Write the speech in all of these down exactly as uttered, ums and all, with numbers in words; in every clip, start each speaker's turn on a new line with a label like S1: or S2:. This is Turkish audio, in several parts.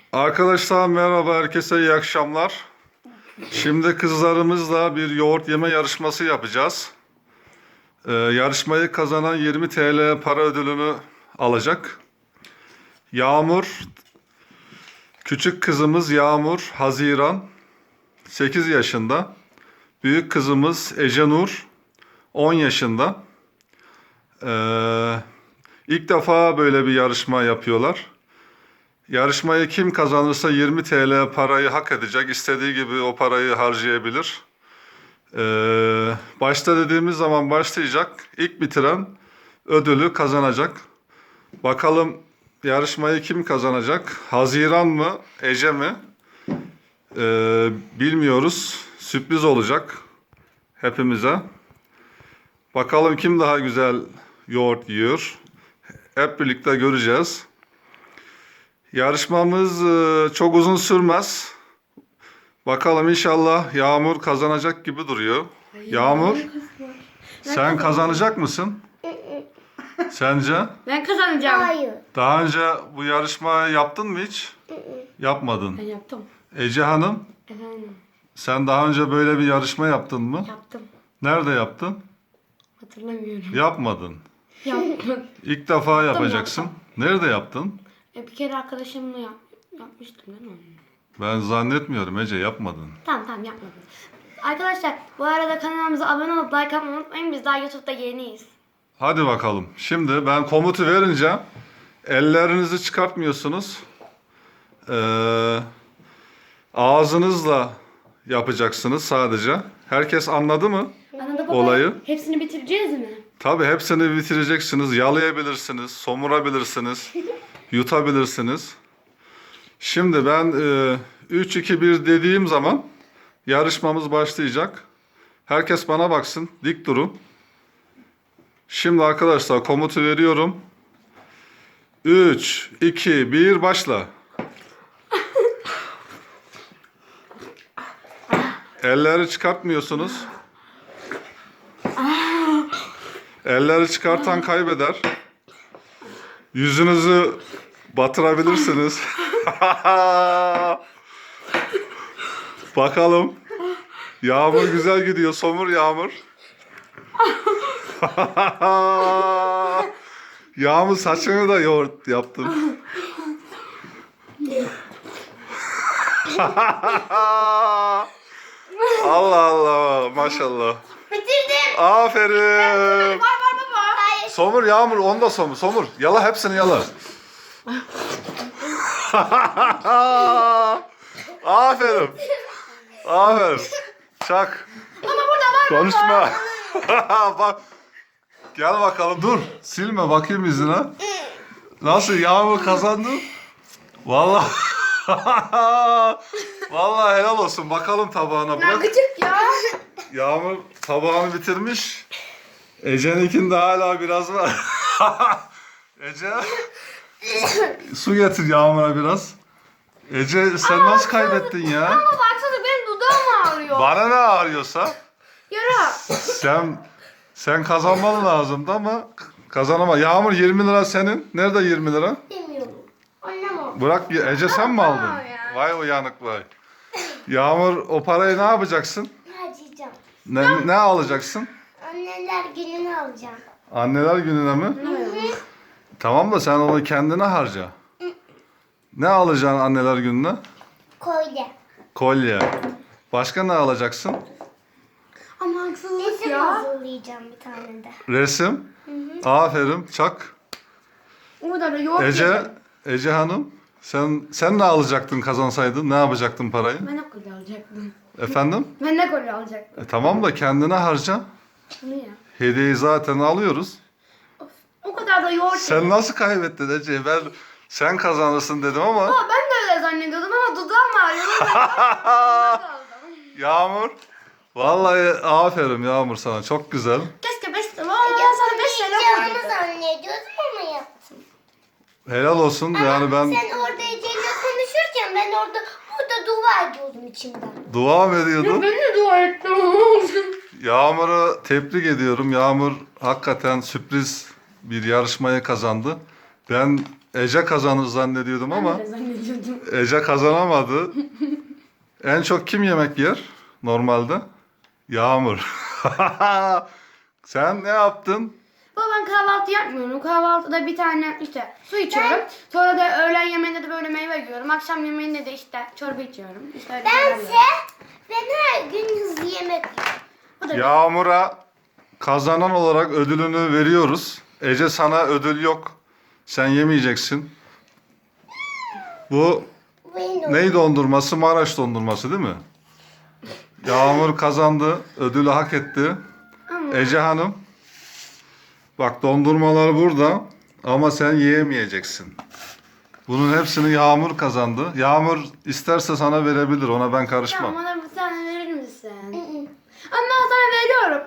S1: Arkadaşlar merhaba, herkese iyi akşamlar. Şimdi kızlarımızla bir yoğurt yeme yarışması yapacağız. Ee, yarışmayı kazanan yirmi T L para ödülünü alacak. Yağmur, küçük kızımız Yağmur Haziran, sekiz yaşında. Büyük kızımız Ece Nur, on yaşında. Ee, ilk defa böyle bir yarışma yapıyorlar. Yarışmayı kim kazanırsa yirmi T L parayı hak edecek. İstediği gibi o parayı harcayabilir. Ee, başta dediğimiz zaman başlayacak. İlk bitiren ödülü kazanacak. Bakalım yarışmayı kim kazanacak? Haziran mı? Ece mi? Ee, bilmiyoruz. Sürpriz olacak hepimize. Bakalım kim daha güzel yoğurt yiyor. Hep birlikte göreceğiz. Yarışmamız e, çok uzun sürmez. Bakalım inşallah Yağmur kazanacak gibi duruyor. Yağmur, sen kazanacak mısın? Sence?
S2: Ben kazanacağım.
S3: Hayır.
S1: Daha önce bu yarışmayı yaptın mı hiç? Yapmadın.
S2: Ben yaptım.
S1: Ece Hanım,
S2: Efendim
S1: sen daha önce böyle bir yarışma yaptın mı?
S2: yaptım.
S1: Nerede yaptın?
S2: Hatırlamıyorum.
S1: Yapmadın.
S2: Yaptım.
S1: İlk defa yapacaksın. Nerede yaptın?
S2: E, bir kere arkadaşımla yap, yapmıştım değil mi?
S1: Ben zannetmiyorum Ece, yapmadın.
S2: Tamam tamam yapmadım. Arkadaşlar bu arada kanalımıza abone olup like atmayı unutmayın. Biz daha YouTube'da yeniyiz.
S1: Hadi bakalım. Şimdi ben komutu verince ellerinizi çıkartmıyorsunuz. Ee, ağzınızla yapacaksınız sadece. Herkes anladı mı
S2: Anladın mı?
S1: olayı?
S2: Hepsini bitireceğiz mi?
S1: Tabii hepsini bitireceksiniz. Yalayabilirsiniz, somurabilirsiniz, yutabilirsiniz. Şimdi ben e, üç iki bir dediğim zaman yarışmamız başlayacak. Herkes bana baksın. Dik durun. Şimdi arkadaşlar komutu veriyorum. üç, iki, bir başla. Elleri çıkartmıyorsunuz. Elleri çıkartan kaybeder. Yüzünüzü batırabilirsiniz. Bakalım. Yağmur güzel gidiyor. Somur Yağmur. Yağmur saçını da yoğurt yaptım. Allah Allah maşallah.
S3: Bitirdim.
S1: Aferin.
S3: Var var baba. Hayır.
S1: Somur Yağmur, onu da somur. Somur. Yala hepsini yala. Aferin. Aferin. Çak.
S3: Ama burada var.
S1: Konuşma. Bak. Gel bakalım. Dur. Silme bakayım yüzüne. Nasıl Yağmur kazandı? Vallahi. Vallahi helal olsun. Bakalım tabağına bırak.
S3: Gıcık ya.
S1: Yağmur tabağını bitirmiş. Ece'ninkinde hala biraz var. Ece su getir Yağmur'a biraz. Ece sen nasıl kaybettin ya?
S3: Ama baksana benim dudağım ağrıyor.
S1: Bana ne ağrıyorsa
S3: Yara.
S1: sen sen kazanman lazımdı ama kazanama. Yağmur yirmi lira senin. Nerede yirmi lira?
S3: Bilmiyorum. Annem o.
S1: Bırak Ece sen mi aldın?
S3: Tamam ya.
S1: Vay uyanık vay. Yağmur o parayı ne yapacaksın?
S3: Harcayacağım.
S1: Ne, ne alacaksın?
S3: Anneler gününü alacağım.
S1: Anneler gününe mi? Tamam da sen onu kendine harca. Ne alacaksın anneler gününe?
S3: Kolye.
S1: Kolye. Başka ne alacaksın?
S2: Ama haksızlık
S3: Resim
S2: ya.
S3: hazırlayacağım bir tane de.
S1: Resim. Aferin. Çak.
S2: Burada da yoğurt
S1: Ece,
S2: yedim.
S1: Ece Hanım. Sen sen ne alacaktın kazansaydın? Ne yapacaktın parayı?
S2: Ben de kolye alacaktım.
S1: Efendim?
S2: Ben de kolye alacaktım.
S1: E, tamam da kendine harca.
S2: Bunu ya.
S1: Hediyeyi zaten alıyoruz.
S2: O kadar da yoğurt yedim.
S1: Sen nasıl kaybettin Ece? Ben sen kazanırsın dedim ama.
S2: Aa, ben de öyle zannediyordum ama dudağım ağrıyor.
S1: Yağmur. Vallahi aferin Yağmur sana. Çok güzel.
S2: Keşke beş lira. Aa, sana beş lira
S3: Yapacağımı
S2: koydum.
S3: zannediyordum ama yaptım.
S1: Helal olsun. Yani ben
S3: Sen orada Ece'yle konuşurken ben orada burada dua ediyordum içimden.
S1: dua mı ediyordum?
S2: Ben de dua ettim.
S1: Yağmur'u tebrik ediyorum. Yağmur hakikaten sürpriz bir yarışmayı kazandı. Ben Ece kazanır zannediyordum ama
S2: Ben de zannediyordum. koydum.
S1: Ece kazanamadı. En çok kim yemek yer normalde? Yağmur. Sen ne yaptın?
S2: Baba ben kahvaltı yapmıyorum. Kahvaltıda bir tane işte su içiyorum. Sonra da öğlen yemeğinde de böyle meyve yiyorum. Akşam yemeğinde de işte çorba içiyorum. İşte öyle şeyler
S3: Bense
S2: yiyorum.
S3: ben her gün hızlı yemek yiyorum.
S2: Bu da
S1: Yağmur'a kazanan olarak ödülünü veriyoruz. Ece sana ödül yok. Sen yemeyeceksin. Bu
S3: Benim
S1: ney dondurması? Maraş dondurması değil mi? Yağmur kazandı. Ödülü hak etti.
S2: Ama-
S1: Ece Hanım. Bak dondurmalar burada. Ama sen yiyemeyeceksin. Bunun hepsini Yağmur kazandı. Yağmur isterse sana verebilir. Ona ben karışmam.
S2: Tamam bana bir tane verir misin? Ama ben sana veriyorum.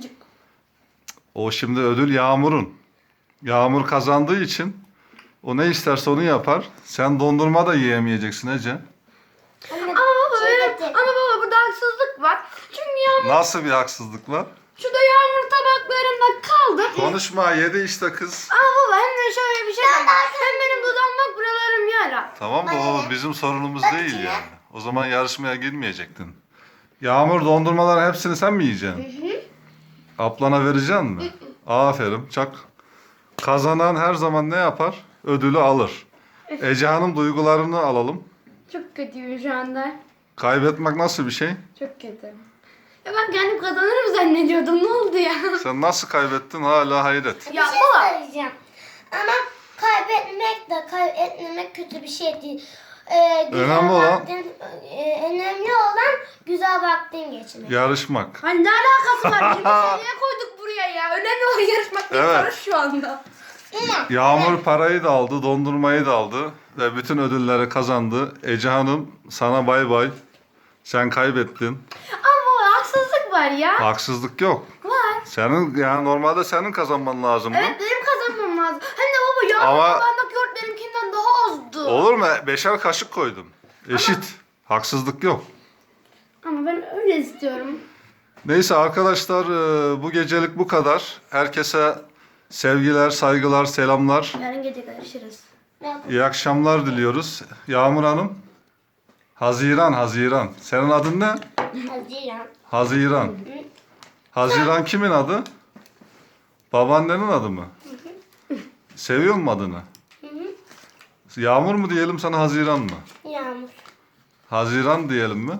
S1: O şimdi ödül Yağmur'un. Yağmur kazandığı için o ne isterse onu yapar. Sen dondurma da yiyemeyeceksin Ece.
S3: Ama
S2: Ama baba,
S3: şey
S2: benim-
S3: de-
S2: ama baba burada haksızlık var. Çünkü yağmur,
S1: Nasıl bir haksızlık var?
S2: şurada yağmur tabaklarında kaldı.
S1: Konuşma, yedi işte kız.
S2: Ama baba hem de şöyle bir şey var. Hem benim dudağım bak buralarım yara.
S1: Tamam da o
S3: Anne.
S1: bizim sorunumuz
S3: Bak
S1: değil
S3: içine.
S1: yani. O zaman yarışmaya girmeyecektin. Yağmur dondurmaların hepsini sen mi yiyeceksin? Ablana vereceksin mi? Aferin. Çak. Kazanan her zaman ne yapar? Ödülü alır. Ece Hanım duygularını alalım.
S2: Çok kötüyüm şu anda.
S1: Kaybetmek nasıl bir şey?
S2: Çok kötü. Ya ben kendim kazanırım zannediyordum. Ne oldu ya?
S1: Sen nasıl kaybettin hala hayret.
S3: Bir
S2: Ya
S3: şey
S2: baba.
S3: söyleyeceğim. Ama kaybetmek de kaybetmemek kötü bir şey değil. Ee, güzel
S1: Önemli olan-
S3: vaktin, e, önemli olan güzel vaktin geçirmek.
S1: Yarışmak.
S2: Hani ne alakası var? yirmi seneye koyduk buraya ya. Önemli olan yarışmak değil
S1: Evet.
S2: barış şu anda.
S3: Ama
S1: Yağmur parayı da aldı, dondurmayı da aldı ve bütün ödülleri kazandı. Ece Hanım sana bay bay. Sen kaybettin.
S2: Ama haksızlık var ya.
S1: Haksızlık yok.
S2: Var.
S1: Senin yani normalde senin kazanman lazımdı.
S2: Evet benim kazanmam lazım. Hem de baba yağmur
S1: Ama-
S2: tabağındaki yoğurt benimkinden daha azdı.
S1: Olur mu? Beşer kaşık koydum. Eşit. Haksızlık yok.
S2: Ama ben öyle istiyorum.
S1: Neyse arkadaşlar e, bu gecelik bu kadar. Herkese sevgiler, saygılar, selamlar.
S2: Yarın gece görüşürüz.
S1: İyi akşamlar diliyoruz. Yağmur Hanım. Haziran, Haziran. Senin adın ne?
S3: Haziran.
S1: Haziran. Haziran kimin adı? Babaannenin adı mı? Seviyor musun adını? Yağmur mu diyelim sana Haziran mı?
S3: Yağmur.
S1: Haziran diyelim mi?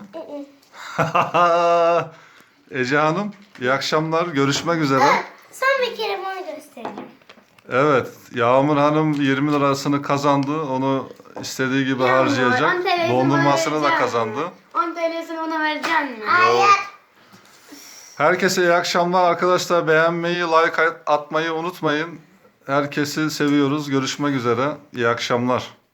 S1: Ece Hanım iyi akşamlar. Görüşmek üzere.
S3: Son bir kere bunu göstereceğim.
S1: Evet Yağmur Hanım yirmi lirasını kazandı. Onu istediği gibi harcayacak.
S2: on T L'sini
S1: Dondurmasını
S2: bana
S1: da
S2: verecek
S1: kazandı.
S2: misin? on T L'sini ona verecek mi?
S3: Hayır.
S1: Herkese iyi akşamlar arkadaşlar. Beğenmeyi, like atmayı unutmayın. Herkesi seviyoruz. Görüşmek üzere. İyi akşamlar.